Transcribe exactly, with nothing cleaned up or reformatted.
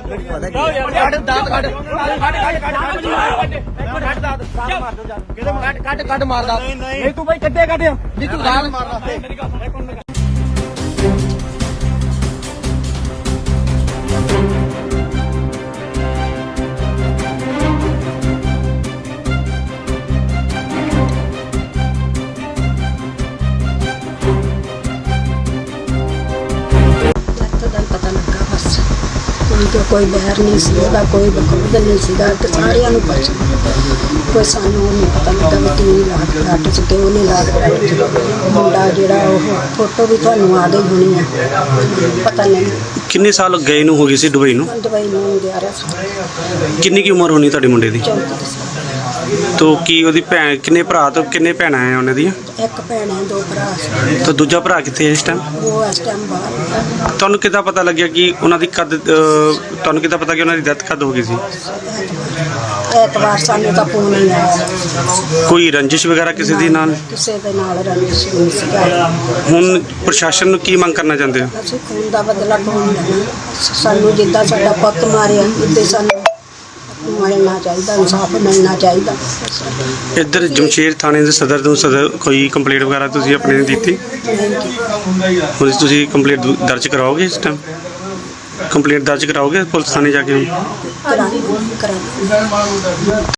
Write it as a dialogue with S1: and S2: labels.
S1: ਕੱਢ ਦਾਤ ਕੱਢ ਕੱਢ ਕੱਢ ਕੱਢ ਮਾਰਦਾ ਨਹੀਂ ਤੂੰ ਬਾਈ ਕੱਢੇ ਕੱਢ ਨਹੀਂ ਤੂੰ ਗਾਲ ਮਾਰਦਾ ਮੇਰੀ ਗੱਲ
S2: कोई बहर नहीं सीगा, कोई बकौद नहीं सीगा, सारिया पता कोई सानू नहीं पता लगा भी की लाग रट च क्यों नहीं लाग रट मुंडा जोड़ा फोटो भी थानू आ गई होनी है पता नहीं
S3: किन्ने साल गए नूं हो गई सी दुबई नूं
S2: दुबई नूं ग्यारह साल
S3: किन्नी की उम्र होनी तुहाडे मुंडे दी
S2: चौंतीस साल
S3: तो की ओदी भैन किन्ने भरा तो किन्ने भैणां है उन्हां दी
S2: एक भैन है दो भरा
S3: तो दूजा भरा कित्थे है इस टाइम
S2: वो इस टाइम बाहर
S3: तुहानू किद्दां पता लग्या कि उन्हां दी कद तुहानू किद्दां पता कि उन्हां दी डेथ कद हो गई सी
S2: एतवार सानू तां फोन नहीं आया
S3: कोई रंजिश वगैरह किसी दी नाल
S2: किसी दे नाल रंजिश नहीं सीगा
S3: हुण प्रशासन नूं की मंग करना चाहुंदे हो
S2: ਅਸੀਂ खून ਦਾ ਬਦਲਾ ਕੌਣ ਲੈਣਾ ਸਾਨੂੰ ਜਿੱਦਾਂ ਸਾਡਾ ਪੁੱਤ ਮਾਰਿਆ ਇੱਦਾਂ ਸਾਨੂੰ ਮਿਲਣਾ ਚਾਹੀਦਾ ਇਨਸਾਫ ਮਿਲਣਾ ਚਾਹੀਦਾ
S3: ਇੱਧਰ ਜਮਸ਼ੇਰ ਥਾਣੇ ਦੇ ਸਦਰ ਤੋਂ ਸਦਰ ਕੋਈ ਕੰਪਲੇਂਟ ਵਗੈਰਾ ਤੁਸੀਂ ਆਪਣੇ ਨੇ ਦਿੱਤੀ ਹੁਣ ਤੁਸੀਂ ਕੰਪਲੇਂਟ ਦਰਜ ਕਰਾਓਗੇ ਇਸ ਟਾਈਮ ਕੰਪਲੇਂਟ ਦਰਜ ਕਰਾਓਗੇ ਪੁਲਿਸ ਥਾਣੇ ਜਾ ਕੇ
S2: ਕਰਾਂਗੇ ਕਰਾਂਗੇ